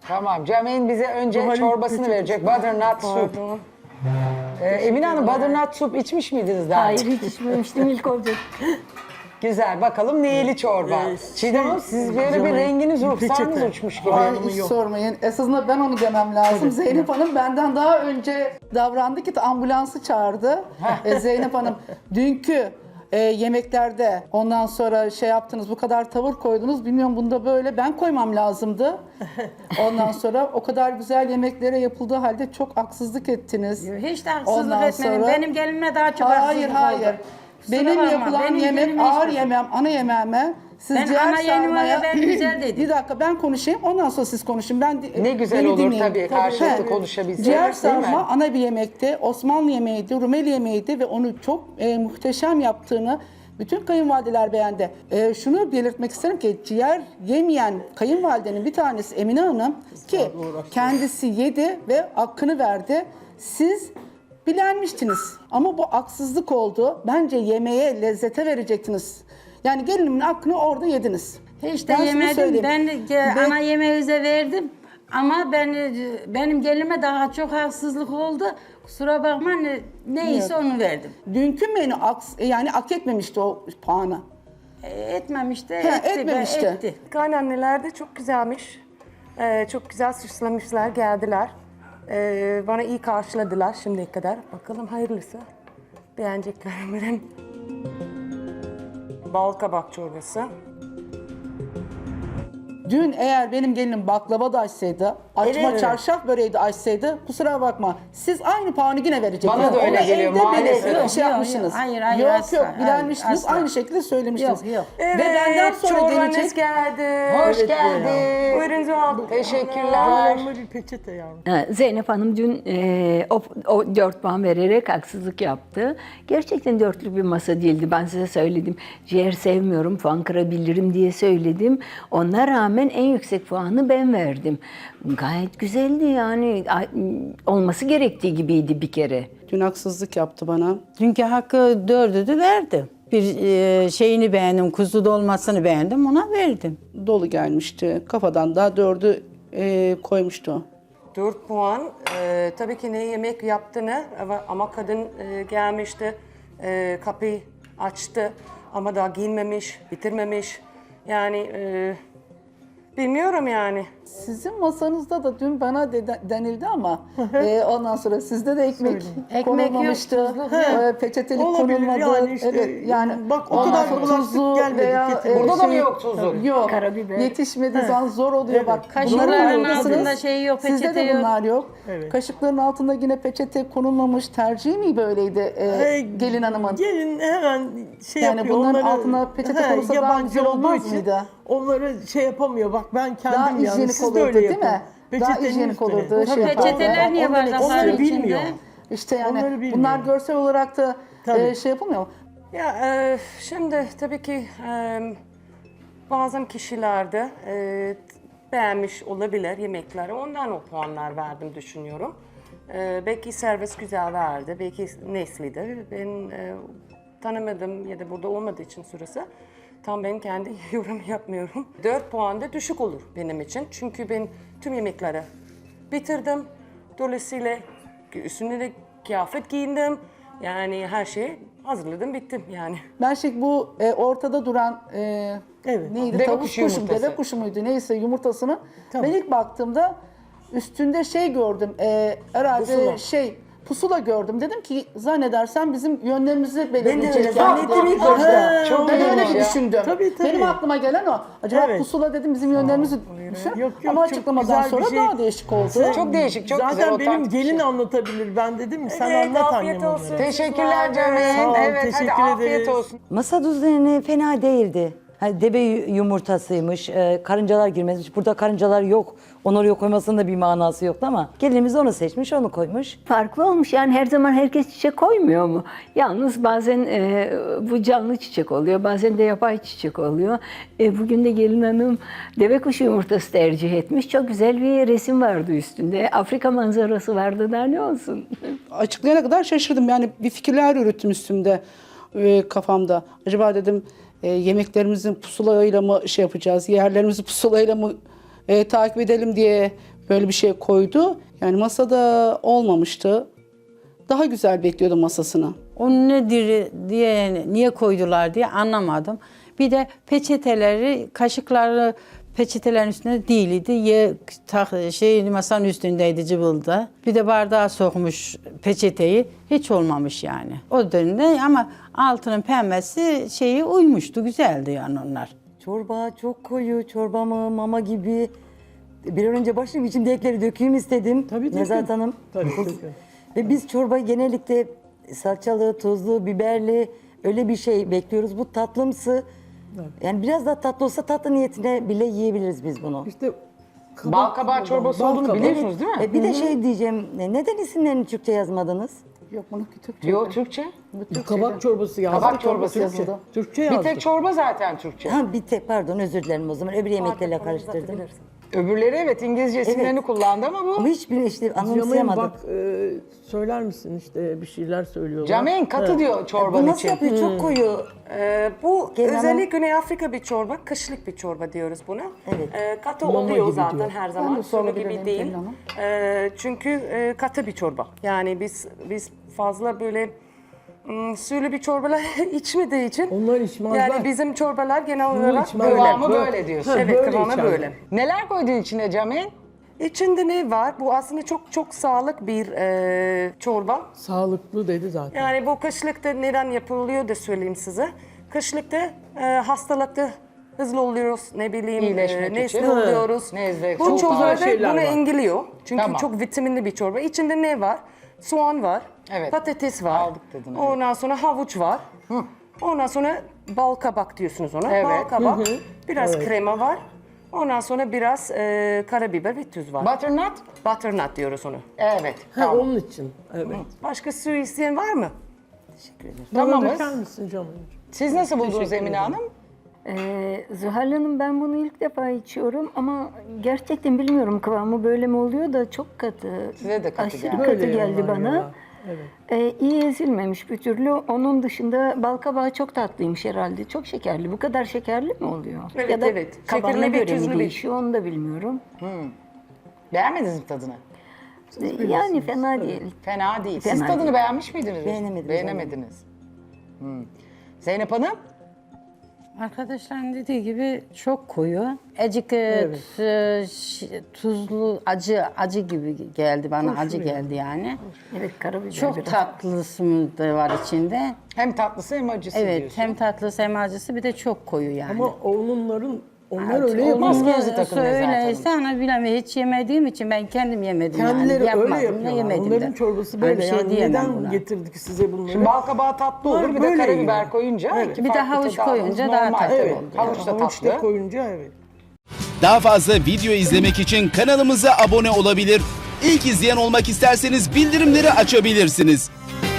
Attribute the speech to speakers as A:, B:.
A: Tamam. Cemil bize önce
B: Zuhal'in
A: çorbasını
B: peçetesi.
A: verecek. Butternut soup.
B: Pardon.
A: Emine Hanım butternut soup içmiş miydiniz daha?
C: Hayır hiç içmemiştim ilk olacak.
A: Güzel. Bakalım neyli çorba. Çiğdem Hanım siz böyle bir
B: Cemil,
A: renginiz
B: bir
A: ruhsarınız
B: peçete.
A: uçmuş gibi.
D: Ay,
B: Hanımı
D: hiç
B: yok.
D: sormayın. Esasında ben onu demem lazım. Zeynep Hanım benden daha önce davrandı ki ambulansı çağırdı. Zeynep Hanım dünkü yemeklerde ondan sonra şey yaptınız, bu kadar tavır koydunuz. Bilmiyorum bunda böyle ben koymam lazımdı. Ondan sonra o kadar güzel yemeklere yapıldığı halde çok haksızlık ettiniz.
E: Hiç de haksızlık
D: Ondan
E: etmedim.
D: sonra-
E: Benim gelinime daha çok
D: Hayır
E: haksızlık
D: hayır.
E: oldu. Kusura
D: Benim
E: bakma,
D: yapılan
E: benim
D: yemek
E: gelinime
D: ağır
E: hiç-
D: yemeğim, ana yemeğime. Siz
E: Ben
D: ciğer
E: ana yemeğe
D: sarmaya...
E: ben güzel dedim.
D: Bir dakika ben konuşayım ondan sonra siz konuşun.
A: Ne güzel
D: beni
A: olur
D: dinleyin.
A: tabii, karşılıklı
D: He.
A: konuşabilsek,
D: Ciğer
A: değil mi?
D: sarma ana bir yemekti. Osmanlı yemeğiydi, Rumeli yemeğiydi ve onu çok muhteşem yaptığını bütün kayınvalideler beğendi. Şunu belirtmek isterim ki ciğer yemeyen kayınvalidenin bir tanesi Emine Hanım ki kendisi yedi ve hakkını verdi. Siz bilenmiştiniz ama bu haksızlık oldu. Bence yemeğe lezzete verecektiniz. Yani gelinimin hakkını orada yediniz.
E: Hiç de
D: Ben şunu
E: yemedim.
D: söyleyeyim.
E: Ben
D: Ve-
E: ana yemeğinize verdim. Ama benim gelinime daha çok haksızlık oldu. Kusura bakma neyse onu verdim.
D: Dünkü menü yani hak etmemişti o puanı.
E: Etmemişti,
D: etmemişti.
E: etti.
F: Kaynanneler de çok güzelmiş. Çok güzel süslemişler, geldiler. Bana iyi karşıladılar şimdiye kadar. Bakalım hayırlısı. Beğenecekler umarım. Bal kabak çorbası.
D: Dün eğer benim gelinim baklava da açsaydı, açma
F: Evet.
D: çarşaf böreği de açsaydı kusura bakma. Siz aynı puanı yine verecektiniz.
A: Bana da öyle
D: Onu
A: geliyor,
D: evde
A: maalesef.
D: belirtip
E: Yok,
D: şey
E: yok,
D: yapmışsınız.
E: yok. Hayır, hayır,
D: Yok
E: asla,
D: yok
E: hayır,
D: bilenmiştiniz.
E: asla.
D: Aynı şekilde söylemiştiniz.
E: Yok, yok.
F: Evet,
D: Ve benden sonra
F: çorbanız
D: gelecek.
F: geldi.
A: Hoş geldin.
F: Buyurun Zuhal.
A: Teşekkürler.
B: Zavallı bir peçete yavrum.
C: Zeynep Hanım dün o 4 puan vererek haksızlık yaptı. Gerçekten dörtlük bir masa değildi. Ben size söyledim. Ciğer sevmiyorum, puan kırabilirim diye söyledim. Ona rağmen en yüksek puanı ben verdim. Gayet güzeldi yani. Olması gerektiği gibiydi bir kere.
D: Dün haksızlık yaptı bana.
G: Dünkü hakkı 4'ü de verdim. Bir şeyini beğendim, kuzu dolmasını beğendim, ona verdim.
D: Dolu gelmişti. Kafadan daha 4'ü koymuştu.
F: 4 puan. Tabii ki ne yemek yaptığını ama kadın gelmişti. Kapıyı açtı ama daha giyinmemiş, bitirmemiş. Yani bilmiyorum yani.
D: Sizin masanızda da dün bana denildi ama ondan sonra sizde de ekmek
E: Ekmek
D: konulmamıştı.
E: yok, tuzluk yok.
D: Peçetelik
B: Olabilir
D: konulmadı.
B: yani işte.
D: Evet yani
B: Bak o
D: ondan
B: kadar
D: sonra
B: bulaşık
D: tuzlu
B: gelmedi,
D: veya,
B: getirmedi.
A: Burada da mı yok tuzu?
D: Yok.
C: Karabiber.
D: Yetişmediği zaman zor oluyor bak.
E: Kaşıkların
D: bunların farkındasınız.
E: altında şey yok,
D: Sizde
E: peçete
D: de
E: yok.
D: bunlar yok.
B: Evet.
D: Kaşıkların altında yine peçete konulmamış. Tercih mi böyleydi gelin hanımın?
B: Gelin hemen şey
D: Yani
B: yapıyor.
D: bunların
B: onları-
D: altına peçete
B: He,
D: konulsa daha
B: yabancı
D: güzel
B: olduğu
D: olmaz
B: için
D: mıydı?
B: Onları şey yapamıyor. Bak ben kendim
D: Daha
B: yani
D: hijyenik
B: siz de
D: olurdu,
B: öyle
D: değil mi?
B: yapın.
D: Daha
B: Peçetenin
D: hijyenik
B: üstüne.
D: olurdu.
B: O
D: Şey
E: Peçeteler niye
B: onları-
E: bardakların
B: onları
E: içinde?
B: bilmiyor.
D: İşte
B: Onları
D: yani
B: bilmiyor.
D: bunlar görsel olarak da
B: Tabii.
D: şey yapılmıyor mu?
F: Ya şimdi tabii ki bazen kişiler de beğenmiş olabilir yemekleri. Ondan o puanlar verdim düşünüyorum. Belki servis güzel verdi, belki Nesli'de. Ben tanımadım ya da burada olmadığı için sırası. Tam ben kendi yorum yapmıyorum. 4 puan da düşük olur benim için. Çünkü ben tüm yemekleri bitirdim. Dolayısıyla üstüne de kıyafet giyindim. Yani her şeyi hazırladım, bittim yani.
D: Ben bu ortada duran
B: Evet.
D: neydi?
A: Deve
D: Tavuk
A: kuşu
D: kuşu,
A: yumurtası.
D: deve kuşu muydu neyse yumurtasını.
B: Tamam.
D: Ben ilk baktığımda üstünde şey gördüm. Herhalde
B: Pusula.
D: pusula gördüm. Dedim ki zannedersem bizim yönlerimizi
B: Ben de
D: belirleyecek.
B: öyle zannettim ilk
D: Ha,
B: başta.
A: Çok
D: ben öyle
A: iyiymiş
D: bir
A: ya.
D: düşündüm.
B: Tabii, tabii.
D: Benim aklıma gelen o. Acaba
B: Evet.
D: pusula dedim bizim yönlerimizi düşün.
B: Yok,
D: Ama
B: çok
D: açıklamadan
B: güzel bir
D: sonra
B: şey.
D: daha değişik oldu.
A: Çok değişik, çok
B: Zaten
A: güzel.
B: benim
A: otantik bir
B: gelin
A: şey.
B: anlatabilir. Ben dedim mi sen
F: Evet,
B: anlat
F: afiyet
B: annem
F: olsun.
B: onları.
A: Teşekkürler
B: Sağ ol,
A: Cemil. Evet hadi
B: teşekkür
A: afiyet
B: ederiz.
A: olsun.
H: Masa düzeni fena değildi. Hani deve yumurtasıymış, karıncalar girmezmiş. Burada karıncalar yok. Onu oraya koymasının da bir manası yoktu ama gelinimiz onu seçmiş, onu koymuş.
C: Farklı olmuş yani her zaman herkes çiçek koymuyor mu? Yalnız bazen bu canlı çiçek oluyor, bazen de yapay çiçek oluyor. Bugün de gelin hanım deve kuşu yumurtası tercih etmiş. Çok güzel bir resim vardı üstünde. Afrika manzarası vardı da ne olsun.
D: Açıklayana kadar şaşırdım. Yani bir fikirler yürüttüm üstümde, kafamda. Acaba dedim yemeklerimizin pusulayla mı şey yapacağız, yerlerimizi pusulayla mı takip edelim diye böyle bir şey koydu. Yani masada olmamıştı. Daha güzel bekliyordum masasını.
G: O nedir diye, niye koydular diye anlamadım. Bir de peçeteleri, kaşıkları peçetelerin üstünde değildi. Masanın üstündeydi cıvıldı. Bir de bardağa sokmuş peçeteyi. Hiç olmamış yani. O dönemde ama altının pembesi uymuştu. Güzeldi yani onlar.
H: Çorba çok koyu, çorba mı, mama gibi. Bir an önce başlayayım, içimdekileri dökeyim istedim.
B: Tabii.
H: Nezahat Hanım.
B: Tabii.
H: Ve biz çorba genellikle salçalı, tuzlu, biberli öyle bir şey bekliyoruz. Bu tatlımsı. Yani biraz daha tatlı olsa tatlı niyetine bile yiyebiliriz biz bunu.
B: İşte
A: Bal kabağı çorbası olduğunu
B: kabağı.
A: biliyorsunuz değil mi?
H: Bir de şey diyeceğim, neden isimlerini Türkçe yazmadınız?
D: Yok bunu Türkçe.
A: Yok Türkçe.
B: kabak çorbası yazdı.
A: Kabak çorbası
B: Türkçe.
A: yazıldı.
B: Türkçe
A: Bir
B: yazdı.
A: tek çorba zaten Türkçe.
H: Ha bir tek pardon özür dilerim o zaman öbür yemeklerle karıştırdım.
A: Öbürleri evet İngilizce isimlerini kullandı ama bu.
H: Ama hiçbirini işte
B: Cameyn
H: anımsayamadım.
B: bak söyler misin işte bir şeyler söylüyorlar.
A: Cameyn katı diyor çorbanın
H: Bu nasıl
A: için.
H: yapıyor? Çok koyu.
F: Bu
H: Genel-
F: özellikle Güney Afrika bir çorba, kışlık bir çorba diyoruz buna.
H: Evet.
F: Katı
B: Mama
F: oluyor
B: gibi
F: zaten
B: diyor.
F: her zaman, sulu gibi değil. Çünkü katı bir çorba. Yani biz fazla böyle sulu bir çorbalar içmediği için.
B: Onlar içmezler.
F: Yani bizim çorbalar genel olarak
B: içmezler.
F: böyle.
A: Kıvamı böyle diyorsun.
F: Evet,
B: böyle
F: kıvamı
B: içerler.
F: böyle.
A: Neler koydun içine Cameyn?
F: İçinde ne var? Bu aslında çok sağlık bir çorba.
B: Sağlıklı dedi zaten.
F: Yani bu kışlıkta neden yapılıyor da söyleyeyim size. Kışlıkta hastalıkta hızlı oluyoruz, ne bileyim,
A: İyileşmek
F: nezle
A: için.
F: oluyoruz.
A: Nezle,
F: Bu
A: çok
F: çorba
B: fazla
F: da
B: şeyler
F: bunu
B: var.
F: engelliyor. Çünkü
A: Tamam.
F: çok vitaminli bir çorba. İçinde ne var? Soğan var,
A: Evet.
F: patates var.
A: Aldık dedin, evet.
F: Ondan sonra havuç var. Ondan sonra bal kabak diyorsunuz ona.
A: Evet.
F: Bal kabak, biraz krema var. Ondan sonra biraz karabiber ve tuz var.
A: Butternut?
F: Butternut diyoruz onu.
A: Evet.
B: Ha,
A: Tamam.
B: onun için. Evet.
F: Başka su isteyen var mı?
B: Bana
A: Tamamız.
B: döker misin canım?
A: Siz nasıl buldunuz Emine Hanım?
C: Zuhal Hanım ben bunu ilk defa içiyorum ama gerçekten bilmiyorum kıvamı böyle mi oluyor da çok katı.
A: Size de katı
C: Aşırı
A: geldi.
C: katı
B: Böyle
C: geldi
B: yalan
C: bana.
B: ya. Evet.
C: İyi ezilmemiş bir türlü. Onun dışında bal kabağı çok tatlıymış herhalde. Çok şekerli. Bu kadar şekerli mi oluyor?
F: Evet,
C: ya da
F: evet.
C: kabağına
F: Şekerli ve
C: göre
F: tuzlu
C: mi
F: bir-
C: değişiyor onu da bilmiyorum.
A: Beğenmediniz mi tadını?
C: Yani fena değil.
A: Fena değil. Siz
C: Fena
A: tadını
C: değil.
A: beğenmiş miydiniz?
H: Beğenemedim
A: Beğenemediniz. Zeynep Hanım?
G: Arkadaşların dediği gibi çok koyu. Azıcık tuzlu, acı gibi geldi bana. Acı geldi yani.
C: Evet karabiber
G: Çok
C: biraz.
G: tatlısı da var içinde.
A: Hem tatlısı hem acısı
G: Evet,
A: diyorsun.
G: hem tatlısı hem acısı bir de çok koyu yani.
B: Ama onlar
G: Evet,
B: öyle
G: olmaz.
B: yapmaz.
A: Maskenizi takın Nezahat Hanım.
G: Öyleyse ana bilemiyorum. Hiç yemediğim için ben kendim yemedim
B: Kendileri
G: yani.
B: öyle
G: Yapmadım da
B: yapıyorlar.
G: yemedim
B: Onların
G: de.
B: çorbası
G: Hani
B: böyle.
G: bir şey
B: Yani
G: diyemem
B: neden
G: buna.
B: getirdik size bunları?
A: Şimdi bal kabağı tatlı olur, bir de
B: Böyle
A: karabiber
B: yiyor.
A: koyunca
B: Evet.
A: iki
G: Bir de
A: farklı
G: havuç
A: tadı aldınız.
G: koyunca daha
A: Normal
G: tatlı
A: tabii.
G: oldu.
A: Havuç da
B: Havuç da
A: tatlı.
B: koyunca evet.
I: Daha fazla video izlemek için kanalımıza abone olabilir. İlk izleyen olmak isterseniz bildirimleri açabilirsiniz.